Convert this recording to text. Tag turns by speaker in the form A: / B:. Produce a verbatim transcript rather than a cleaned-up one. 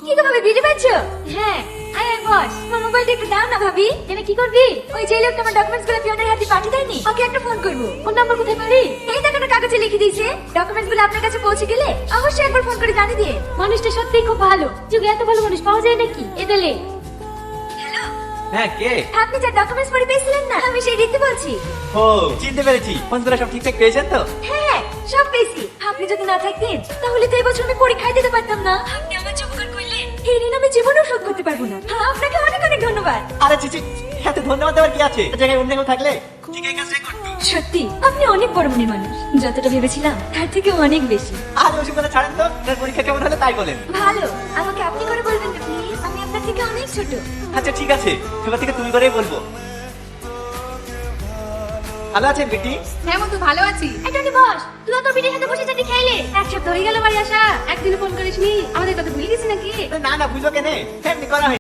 A: কি গো ভাবি ভিডিও পাচ্ছ? হ্যাঁ আয় আয় বস, আমার মোবাইলটা একটু দাও না ভাবি। কেন কি করবি? ওই যে লোকটা আমার ডকুমেন্টস গুলো পিয়নের হাতে পাঠিয়ে দেয়নি, ওকে একটা ফোন করবো। ফোন নাম্বার কোথায় পারি? এই দেখো না কাগজে লিখে দিয়েছে। ডকুমেন্টস গুলো আপনার কাছে পৌঁছে গেলে অবশ্যই একবার ফোন করে জানিয়ে দিয়ে। মানুষটা সত্যিই খুব ভালো, যুগে এত ভালো মানুষ পাওয়া যায় নাকি? এদালে
B: হ্যাঁ কে?
A: আপনি যা ডকুমেন্টস পড়ে পেয়েছিলেন না, আমি সেই রীতি বলছি।
B: ও চিনতে পেরেছি। ফোনগুলো সব ঠিকঠাক পেয়েছেন তো?
A: হ্যাঁ সব পেয়েছি। আপনি যদি না থাকতেন তাহলে তো এবছর আমি পরীক্ষায় দিতে পারতাম না। আপনি আমার যে উপকার করলেন এই ঋণ আমি জীবনেও শোধ করতে পারবো না। আপনাকে অনেক অনেক ধন্যবাদ।
B: আরে চিচি, এত ধন্যবাদ দেওয়ার কি আছে? এই জায়গায় অন্য কেউ থাকলে ঠিক এই কাজটাই করতো।
A: সত্যি আপনি অনেক বড় মনের মানুষ, যতটা ভেবেছিলাম তার থেকে অনেক বেশি।
B: আর ওসব কথা ছাড়েন তো, আপনার পরীক্ষা কেমন হলো তাই বলেন।
A: ভালো, আমাকে আপনি করে বলবেন না প্লিজ, আমি আপনার থেকে অনেক ছোট।
B: আচ্ছা ঠিক আছে, এবার থেকে তুমি করেই বলবো। ভালো আছেন বেটি?
C: হ্যাঁ বন্ধু ভালো আছি।
A: একটু বস, তুই তো বিটের সাথে বসে চাটি খাইলে এক সপ্তাহ হয়ে গেল বাড়ি আসা।
C: একদিন ফোন করিসনি, আমাদের কথা ভুলে গেছি নাকি?
B: না না বুঝলো কেন, এমনি করা হয়।